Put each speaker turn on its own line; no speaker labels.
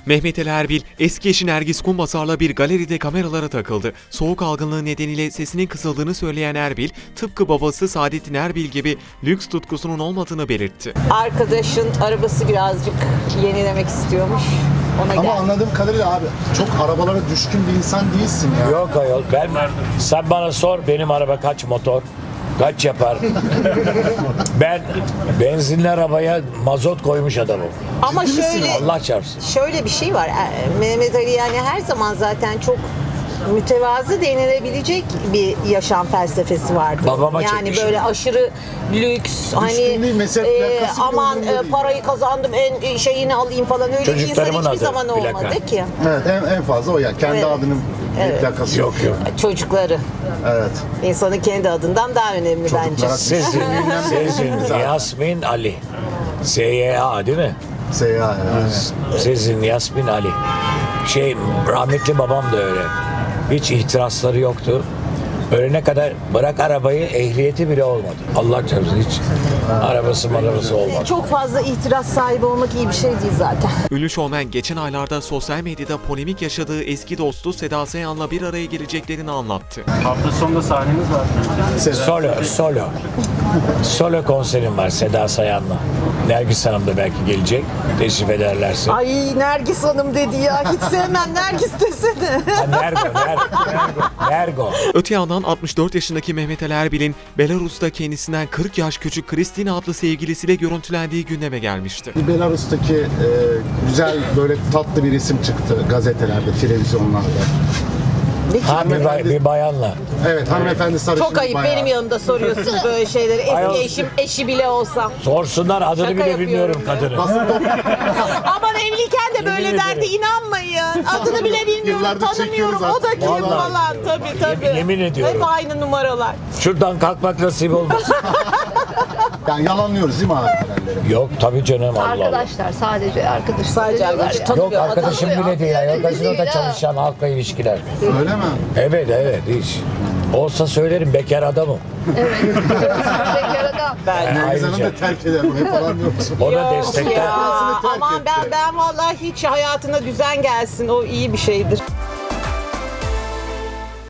Mehmet Ali Erbil, eski eşi Nergis Kumbasar'la bir galeride kameralara takıldı. Soğuk algınlığı nedeniyle sesinin kısıldığını söyleyen Erbil, tıpkı babası Saadettin Erbil gibi lüks tutkusunun olmadığını belirtti.
Arkadaşın arabası birazcık yenilemek istiyormuş. Ona
Ama
geldi.
anladığım kadarıyla abi çok arabalara düşkün bir insan değilsin ya.
Yok ayol, sen bana sor benim araba kaç motor, kaç yapar. Ben benzinli arabaya mazot koymuş adamım.
Ama şöyle
Allah çarpsın.
şöyle bir şey var. Mehmet Ali yani her zaman zaten çok mütevazı denilebilecek bir yaşam felsefesi vardı.
Babama
yani
çekmiş.
böyle aşırı lüks hani
değil, mesela plakası
aman
bile umurumda değil.
parayı kazandım en şeyini alayım falan öyle bir insan
Çocuklarımın
hiçbir
adı,
zaman olmadı
plaka.
ki.
Evet en fazla o ya. Kendi
Evet.
adının bir plakası
Yok yok.
Çocukları.
Evet.
İnsanın kendi adından daha önemli bence.
Çocuklara
Sezin, Yasmin, Ali. SYA değil mi?
Seyahat yani.
Sezin, Yasmin, Ali. Rahmetli babam da öyle. Hiç ihtirasları yoktu. Ölene kadar bırak arabayı, ehliyeti bile olmadı. Allah çarpsın hiç arabası olmadı.
Çok fazla ihtiras sahibi olmak iyi bir şey değil zaten.
Ünlü şovmen geçen aylarda sosyal medyada polemik yaşadığı eski dostu Seda Sayan'la bir araya geleceklerini anlattı.
Hafta sonunda sahnemiz var.
Solo konserim var Seda Sayan'la. Nergis Hanım da belki gelecek. Teşrif ederlerse.
Ay Nergis Hanım dedi ya. Hiç sevmem Nergis desene.
Nergo.
Öte yandan 64 yaşındaki Mehmet Ali Erbil'in Belarus'ta kendisinden 40 yaş küçük Kristina adlı sevgilisiyle görüntülendiği gündeme gelmişti.
Belarus'taki güzel böyle tatlı bir isim çıktı gazetelerde, televizyonlarda.
Bir bayanla.
Evet hanımefendi sarışın.
Çok ayıp
bayağı.
benim yanımda soruyorsunuz böyle şeyleri.
Ayol.
Eski eşim, eşi bile olsam.
Sorsunlar adını
Şaka
bile
yapıyorum
bilmiyorum
ya.
kadını.
Aman evliyken de böyle
Yemin
derdi
ederim.
inanmayın. Adını bile bilmiyorum,
Yıllardır
tanımıyorum.
çekiyoruz
O da kim
Vallahi.
falan tabii.
Yemin ediyorum.
Hep aynı numaralar.
Şuradan kalkmak nasip olmasın.
Yani yalanlıyoruz değil mi abi haberleri?
Yok tabii canım Allah Allah.
Arkadaşlar sadece arkadaşlar.
Sadece
diyorlar
arkadaş,
ya.
tanımıyor.
Yok arkadaşım
Tanımıyor.
bile değil. Ya. Gazinoda
Değil ha.
çalışan halkla ilişkiler.
Öyle mi?
Evet hiç. Olsa söylerim bekar adamım.
Bekar adam.
Nergiz Hanım
Ayrıca
da terk eder bunu falan diyorsun.
o da
Yok
destekler.
ya.
Ağzını terk
Aman
etti.
ben vallahi hiç hayatına düzen gelsin. O iyi bir şeydir.